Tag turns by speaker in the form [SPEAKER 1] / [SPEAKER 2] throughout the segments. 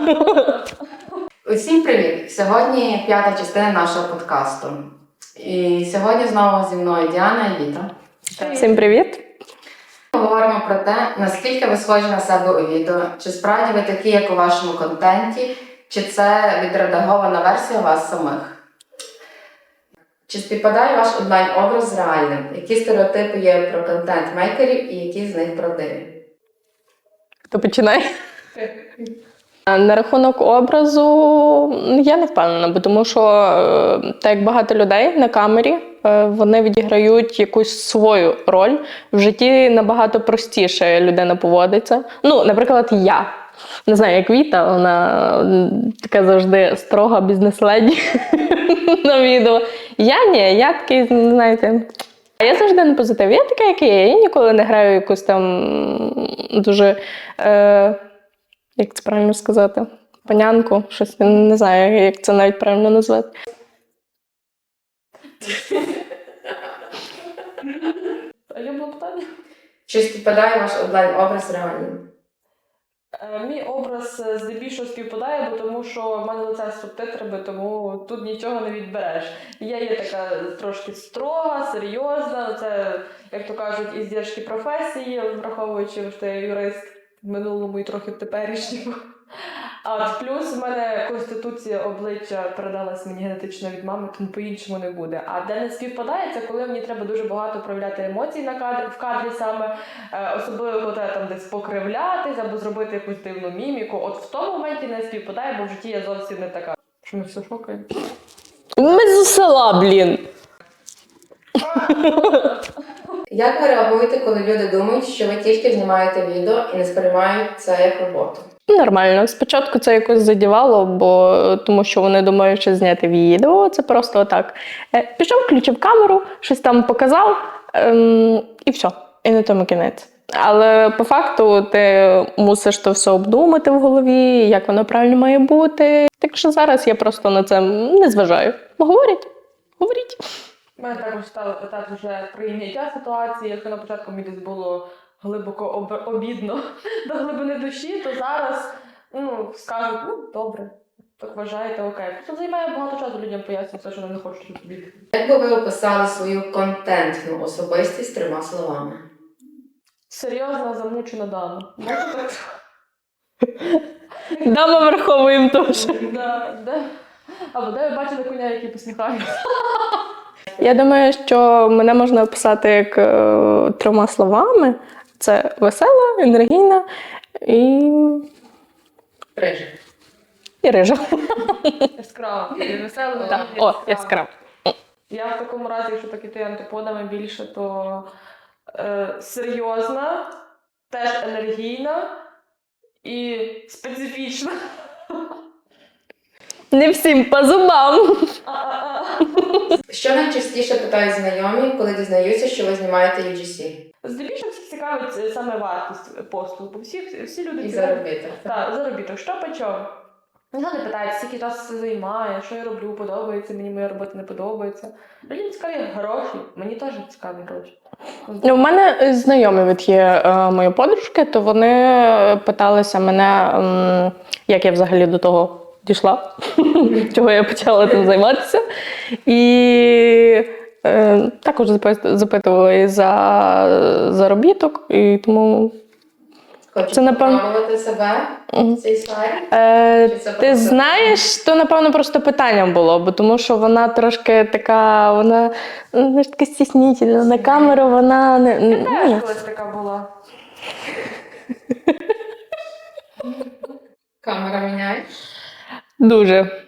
[SPEAKER 1] Усім привіт! Сьогодні 5-та частина нашого подкасту. І сьогодні знову зі мною Діана і Віта.
[SPEAKER 2] Всім привіт!
[SPEAKER 1] Поговоримо про те, наскільки ви схожі на себе у відео, чи справді ви такі, як у вашому контенті, чи це відредагована версія вас самих. Чи співпадає ваш онлайн-образ з реальним? Які стереотипи є про контент-мейкерів і які з них правдиві?
[SPEAKER 2] Хто починає? На рахунок образу я не впевнена, бо тому що так як багато людей на камері, вони відіграють якусь свою роль. В житті набагато простіше людина поводиться. Ну, наприклад, я. Не знаю, як Віта, вона така завжди строга бізнес-леді на відео. Я такий, знаєте, я завжди на позитиві. Я така, як є. Я ніколи не граю якусь там дуже... як це правильно сказати? Панянку, щось, не знаю, як це навіть правильно назвати. А я було питання?
[SPEAKER 1] Чи співпадає ваш онлайн-образ з реальним?
[SPEAKER 2] Мій образ здебільшого співпадає, бо тому що в мене лице з субтитрами, тому тут нічого не відбереш. Я є така трошки строга, серйозна, це, як то кажуть, іздержки професії, враховуючи, що я юрист в минулому і трохи в теперішньому. А плюс в мене конституція обличчя передалась мені генетично від мами, тому по-іншому не буде. А де не співпадає, це коли мені треба дуже багато проявляти емоцій в кадрі саме, особливо коли треба там десь покривлятись або зробити якусь дивну міміку. От в тому моменті не співпадає, бо в житті я зовсім не така. Що ми все шокаємо? Ми з села, блін!
[SPEAKER 1] Як ви реагуєте, коли люди думають, що ви тільки знімаєте відео і не сприймають це як роботу?
[SPEAKER 2] Нормально. Спочатку це якось задівало, бо тому що вони думають, що зняти відео, це просто отак. Пішов, включив камеру, щось там показав, і все. І на тому кінець. Але по факту ти мусиш то все обдумати в голові, як воно правильно має бути. Так що зараз я просто на це не зважаю. Говоріть. У мене також стало питати вже прийняття ситуації. Якщо на початку мені десь було глибоко обідно до глибини душі, то зараз скажуть, добре, так вважаєте, окей. Це займає багато часу людям пояснювати, що вони не хочуть робити.
[SPEAKER 1] Як би ви описали свою контентну особистість 3 словами?
[SPEAKER 2] Серйозна, замучена дама. Дама враховуємо теж. Або де ви бачили коня, який посміхається? Я думаю, що мене можна описати як 3 словами. Це весела, енергійна і...
[SPEAKER 1] Рижа.
[SPEAKER 2] І рижа.
[SPEAKER 3] Яскрава. І весела.
[SPEAKER 2] Так. О, яскрава.
[SPEAKER 3] Я в такому разі, якщо так іти антиподами більше, то серйозна, теж енергійна і специфічна. Не всім по зубам.
[SPEAKER 1] Що найчастіше питають знайомі, коли дізнаються, що ви знімаєте UGC?
[SPEAKER 3] Здебільшого всіх цікавить саме вартість послуг, бо всі люди
[SPEAKER 1] І заробіток.
[SPEAKER 3] Так, заробіток. Що по чому? Ніхто не питає, скільки часу це займає, що я роблю, подобається, мені моя робота не подобається. Людям цікаві гроші, мені теж цікаві гроші.
[SPEAKER 2] У мене знайомі є мої подружки, то вони питалися мене, як я взагалі до того дійшла, чого я почала тим займатися. І також запитували за заробіток, і тому...
[SPEAKER 1] Хочете спробувати себе в цій сфері?
[SPEAKER 2] Ти знаєш, то, напевно, просто питанням було, бо тому що вона трошки така, вона така стіснительна, на камеру вона не...
[SPEAKER 3] Я теж колись така була.
[SPEAKER 1] Камера міняє?
[SPEAKER 2] Дуже.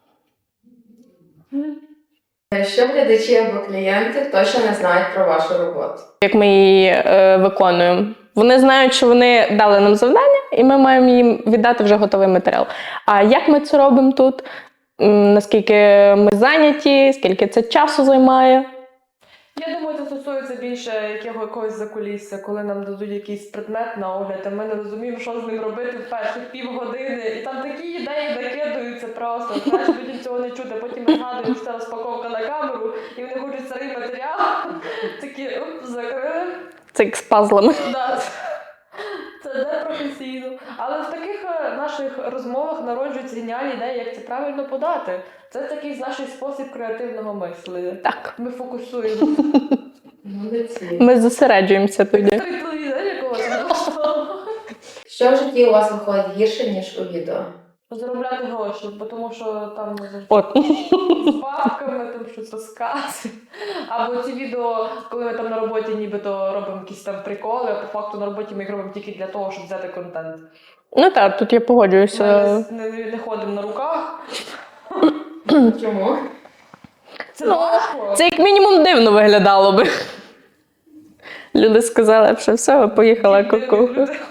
[SPEAKER 1] Що глядачі або клієнти точно не знають про вашу роботу?
[SPEAKER 2] Як ми її виконуємо. Вони знають, що вони дали нам завдання, і ми маємо їм віддати вже готовий матеріал. А як ми це робимо тут? Наскільки ми зайняті, скільки це часу займає?
[SPEAKER 3] Я думаю, це стосується більше якогось закулісся, коли нам дадуть якийсь предмет на огляд, а ми не розуміємо, що з ним робити в перших півгодини. І там такі ідеї накидаються просто. Знаєш, людям цього не чути. Потім ми згадуємо, що це розпаковка на камеру, і вони хочуть старий матеріал. Такі, закрили.
[SPEAKER 2] Це як з пазлами.
[SPEAKER 3] Да. Це не професійно. Але в таких
[SPEAKER 2] наших розмовах народжуються геніальні ідеї, як це правильно подати. Це такий наш спосіб креативного мислення.
[SPEAKER 4] Так.
[SPEAKER 2] Ми фокусуємо.
[SPEAKER 1] Молодці.
[SPEAKER 4] Ми зосереджуємося тоді.
[SPEAKER 2] Той телевізор якогось влаштовуємо.
[SPEAKER 1] Що в житті у вас виходить гірше, ніж у відео?
[SPEAKER 2] Заробляти гроші, бо тому що там
[SPEAKER 4] От.
[SPEAKER 2] з бабками там щось розказує. Або ці відео, коли ми там на роботі нібито робимо якісь там приколи, а по факту на роботі ми їх робимо тільки для того, щоб взяти контент.
[SPEAKER 4] Ну так, тут я погоджуюся.
[SPEAKER 2] Ми не ходимо на руках.
[SPEAKER 1] Чому?
[SPEAKER 2] Це важко.
[SPEAKER 4] Це як мінімум дивно виглядало би. Люди сказали, що все, поїхала ку-ку.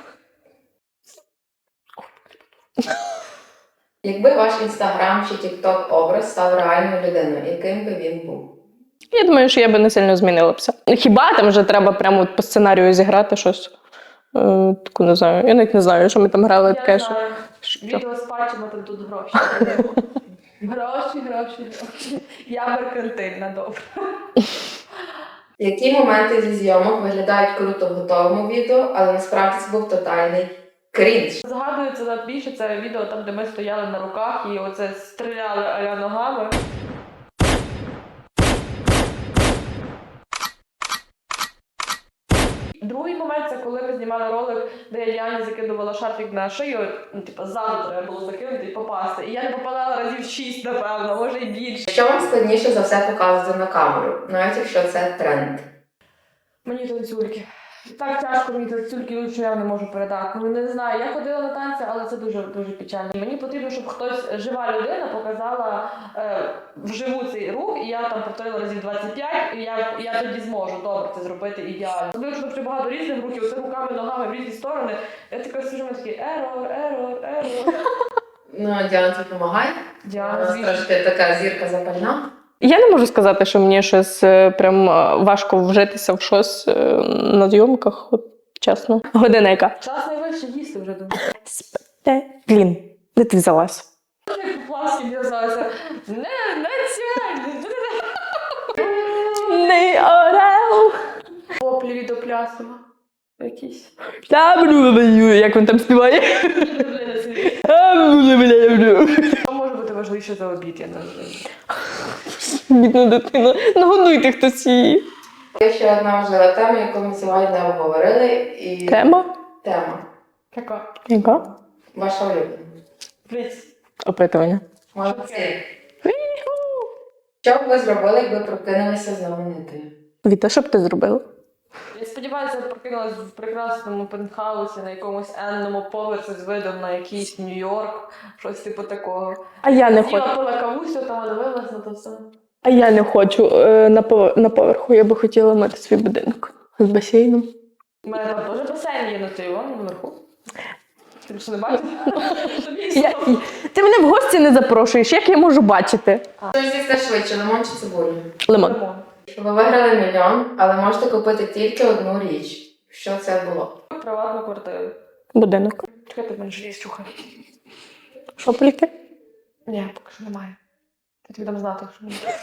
[SPEAKER 1] Якби ваш інстаграм чи тікток образ став реальною людиною, яким би він був?
[SPEAKER 4] Я думаю, що я би не сильно змінилася. Хіба там вже треба прямо от по сценарію зіграти щось? Таку не знаю. Я навіть не знаю, що ми там грали таке.
[SPEAKER 2] Я
[SPEAKER 4] Що...
[SPEAKER 2] знаю.
[SPEAKER 4] що?
[SPEAKER 2] Відео з патчами, там тут гроші. Гроші. Я меркантильна, добре.
[SPEAKER 1] Які моменти зі зйомок виглядають круто в готовому відео, але насправді це був тотальний крінж?
[SPEAKER 2] Згадується найбільше це відео там, де ми стояли на руках і оце стріляли а-ля ногами. Другий момент це коли ми знімали ролик, де я Діані закидувала шарфік на шию, ну, типу, ззаду треба було закинути і попасти. І я не попадала разів 6, напевно, може і більше.
[SPEAKER 1] Що вам складніше за все показувати на камеру, навіть якщо це тренд?
[SPEAKER 2] Мені танцюльки. Так тяжко мені танцюльки, що я не можу передати. Ну не знаю, я ходила на танці, але це дуже печально. Мені потрібно, щоб хтось, жива людина, показала вживу цей рух, і я там повторила разів 25, і я тоді зможу добре це зробити ідеально. Особливо, що дуже багато різних рухів, це руками, ногами в різні сторони. Я така сижу, я такий ерор.
[SPEAKER 1] Ну, Діана тобі допомагає?
[SPEAKER 2] Діана,
[SPEAKER 1] У нас
[SPEAKER 2] звісно.
[SPEAKER 1] трошки така зірка запальна.
[SPEAKER 4] Я не можу сказати, що мені щось прям важко вжитися в щось на зйомках, от, чесно. Година яка?
[SPEAKER 2] Час найвище їсти вже думаю.
[SPEAKER 4] Блін, де ти взялась?
[SPEAKER 2] Як пласки в'язалися. Не ціль!
[SPEAKER 4] Не орел.
[SPEAKER 2] Поплі від оплясова. Якісь.
[SPEAKER 4] Як він там співає?
[SPEAKER 2] Що може бути важливіше за обід, я не знаю.
[SPEAKER 4] Бідна дитина. Нагодуйте хтось її.
[SPEAKER 1] Є ще одна важлива тема, яку ми сьогодні не обговорили. І...
[SPEAKER 4] Тема?
[SPEAKER 1] Тема.
[SPEAKER 2] Яка?
[SPEAKER 4] Яка?
[SPEAKER 1] Ваша улюблена.
[SPEAKER 2] Пліць.
[SPEAKER 4] Опитування.
[SPEAKER 1] Молодці. Що б ви зробили, якби прокинулися знаменитою?
[SPEAKER 4] Віта, що б ти зробила?
[SPEAKER 2] Я сподіваюся, я прокинулась в прекрасному пентхаусі на якомусь енному поверсі з видом на якийсь Нью-Йорк, щось типу такого.
[SPEAKER 4] А я не хочу.
[SPEAKER 2] Сіла, пила кавусю, там дивилась на то все.
[SPEAKER 4] А я не хочу на поверху. Я би хотіла мати свій будинок з басейном.
[SPEAKER 2] У мене там теж басейн є на той вон, наверху. Ти що не бачиш?
[SPEAKER 4] Ти мене в гості не запрошуєш, як я можу бачити?
[SPEAKER 1] Що з'їсти швидше, лимон чи цибулю?
[SPEAKER 4] Лимон.
[SPEAKER 1] Ви виграли мільйон, але можете купити тільки одну річ. Що це було?
[SPEAKER 2] Приватну квартиру.
[SPEAKER 4] Будинок.
[SPEAKER 2] Чекай, ти мене жалієш, чухай.
[SPEAKER 4] Що поліки?
[SPEAKER 2] Ні, поки що немає. Я тобі дам знати, якщо немає.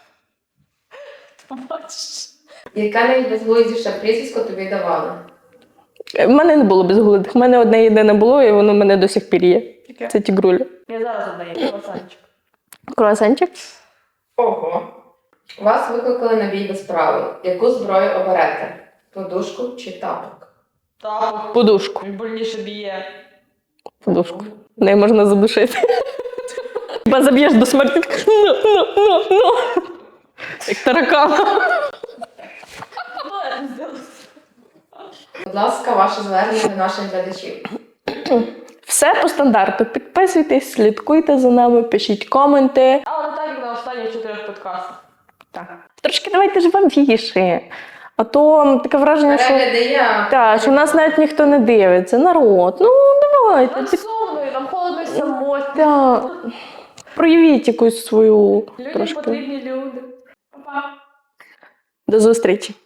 [SPEAKER 2] Ти побачиш.
[SPEAKER 1] Яке найбезглуздіше прізвисько тобі давали?
[SPEAKER 4] В мене не було безглуздих. В мене одне єдине було, і воно в мене до сих пір є.
[SPEAKER 2] Яке?
[SPEAKER 4] Це тігруля.
[SPEAKER 2] Я зараз одна є, пасанчик.
[SPEAKER 4] Круасанчик?
[SPEAKER 1] Ого. Вас викликали на бій без правил. Яку зброю оберете? Подушку чи тапок?
[SPEAKER 2] Тапок.
[SPEAKER 4] Подушку.
[SPEAKER 2] Він больніше б'є.
[SPEAKER 4] Подушку. Неї можна задушити. Хіба заб'єш до смерті. Ну. Як таракана.
[SPEAKER 2] Ну, я не зробила.
[SPEAKER 1] Будь ласка, ваше звернення до наших глядачів.
[SPEAKER 4] Все по стандарту. Підписуйтесь, слідкуйте за нами, пишіть коменти.
[SPEAKER 2] Але не так, як на останніх 4 подкастах.
[SPEAKER 4] Так. Трошки давайте живіші. А то таке враження, що,
[SPEAKER 1] Перегляди я.
[SPEAKER 4] що нас навіть ніхто не дивиться. Народ, ну давайте.
[SPEAKER 2] Нам сумно, і нам холодно і самотно.
[SPEAKER 4] Так. Проявіть якусь свою
[SPEAKER 2] Людям
[SPEAKER 4] трошки.
[SPEAKER 2] потрібні люди. Па-па.
[SPEAKER 4] До зустрічі.